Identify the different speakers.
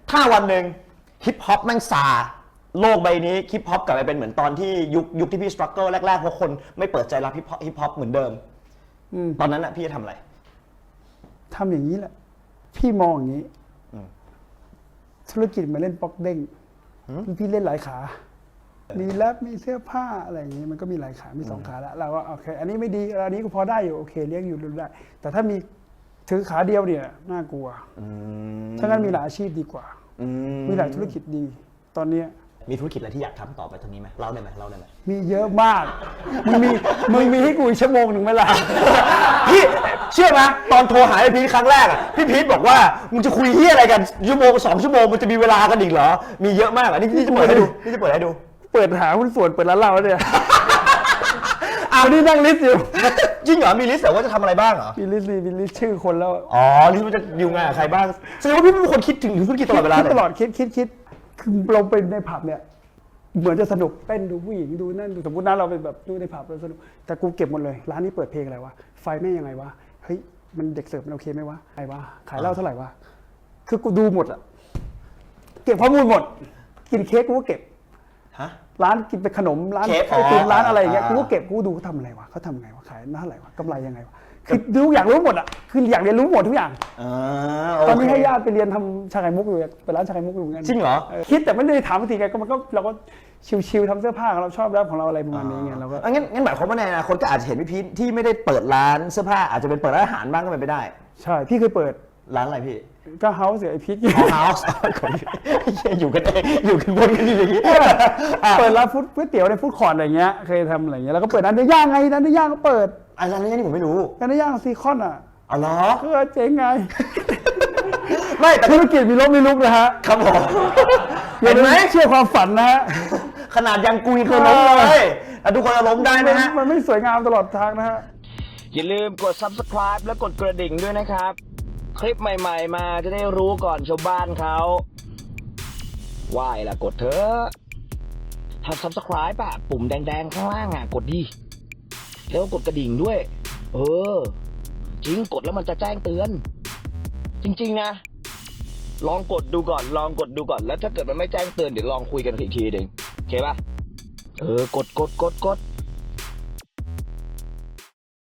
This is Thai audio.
Speaker 1: ถ้าวันหนึ่งฮิปฮอปแม่งซาโลกใบนี้ฮิปฮอปกลับไปเป็นเหมือนตอนที่ยุคที่พี่สตรั๊กเกิลแรกๆเพราะคนไม่เปิดใจรับฮิปฮอปเหมือนเดิมตอนนั้นน่ะพี่จะทำอะไร
Speaker 2: ทำอย่างนี้แหละพี่มองอย่างนี้ธุรกิจมาเล่นป๊อกเด้งพี่เล่นหลายขามีแรปมีเสื้อผ้าอะไรอย่างนี้มันก็มีหลายขามีสองขาแล้วเราก็โอเคอันนี้ไม่ดีอันนี้ก็พอได้อยู่โอเคเลี้ยงอยู่ได้แต่ถ้ามีถือขาเดียวเนี่ยน่ากลัวถ้างั้นมีหลายอาชีพดีกว่ามีหลายธุรกิจดีตอนนี้
Speaker 1: มีธุรกิจอะไรที่อยากทำต่อไปตรงนี้ไหมเล่าได้ไหม
Speaker 2: มีเยอะมากมึงมีให้กูอีกชั่วโมงหนึ่งไหมล่ะ
Speaker 1: พี่เชื่อไหมตอนโทรหาไอ้พีทครั้งแรกอ่ะพี่พีทบอกว่ามึงจะคุยเฮียอะไรกันชั่วโมง2 ชั่วโมงมันจะมีเวลากันอีกเหรอมีเยอะมากอ่ะนี่จะเปิดให้ดู
Speaker 2: เปิดหาหุ้นส่วนเปิดร้านเหล้าเนี่ยวันนี้นั่งลิสต์อยู่
Speaker 1: จริงเหรอมีลิสต์แต่ว่าจะทำอะไรบ้างเหรอ
Speaker 2: มีลิสต์ชื่อคนแล้ว
Speaker 1: อ๋อลิสต์มันจะอยู่ไงกับใครบ้างแสดงว่าพี่เป็นคนคิดถึงธุรกิจตลอดเวลาเลย
Speaker 2: ตลอดคิดคือเราไปในผับเนี่ยเหมือนจะสนุกเต้นดูผู้หญิงดูนั่นดูสมมตินะเราไปแบบดูในผับเราสนุกแต่กูเก็บหมดเลยร้านนี้เปิดเพลงอะไรวะไฟแม่งยังไงวะเฮ้ยมันเด็กเสิร์ฟมันโอเคไหมวะไงวะขายเหล้าเท่าไหร่วะคือกูดูหมดอะเก็บข้อมูลหมดกินเค้กกูก็เก็บร้านกินเป็นขนมร้านไอติมร้านอะไรอย่างเงี้ยกูก็เก็บกูดูเขาทำอะไรวะเขาทำไงวะขายเท่าไหร่วะกำไรยังไงวะคือดูอยากรู้หมดอ่ะคืออยากเรียนรู้หมดทุกอย่างตอนนี้ให้ญาติไปเรียนทำชาไข่มุกอยู่ไปร้านชาไข่มุกอยู่เหมือนกัน
Speaker 1: จริงเหรอ
Speaker 2: คิดแต่ไม่ได้ถามทีไงก็มันก็เราก็ชิวๆทำเสื้อผ้าเราชอบรับของเราอะไรประมาณนี้ไงเราก็
Speaker 1: งั้นหมายความว่าในอนาคตก็อาจจะเห็นพี่พีทที่ไม่ได้เปิดร้านเสื้อผ้าอาจจะเป็นเปิดร้านอาหารบ้างก็เป็นไปได้
Speaker 2: ใช่พี่เคยเปิด
Speaker 1: ร้านอะไรพี่
Speaker 2: ก็เฮาส์ไอพีท
Speaker 1: เฮาส์อยู่กันเองอยู่กันบนกันอย่างนี้
Speaker 2: เปิดร้านก๋วยเตี๋ยวในฟู้ดคอร์ทอะไรเงี้ยเคยทำอะไรเงี้ยแล้วก็เปิดร้านเนื้อย่างไงร้านเนื้อย่างก็เปิด
Speaker 1: ร้านเนื้อย่างนี่ผมไม่รู้
Speaker 2: ร้านเนื้อย่างซีคอนอ่ะ
Speaker 1: อ๋อเหรอ
Speaker 2: ก็เจ๊งไง
Speaker 1: ไม่แต่
Speaker 2: ธุรกิจมีล้มมีลุกนะฮะ
Speaker 1: ครับผม
Speaker 2: เห็นไหมเชื่อความฝันนะฮะ
Speaker 1: ขนาดยังกุยเคยล้มเลยทุกคนจะล้มได้นะฮะ
Speaker 2: มันไม่สวยงามตลอดทางนะฮะ
Speaker 3: อย่าลืมกด Subscribe และกดกระดิ่งด้วยนะครับคลิปใหม่ๆมาจะได้รู้ก่อนชาวบ้านเขาไหว้ล่ะกดเถอะถ้า Subscribe อะปุ่มแดงๆข้างล่างอะกดดิแล้วกดกระดิ่งด้วยจริงกดแล้วมันจะแจ้งเตือนจริงๆนะลองกดดูก่อนแล้วถ้าเกิดมันไม่แจ้งเตือนเดี๋ยวลองคุยกันอีกทีหนึ่งโอเคป่ะกด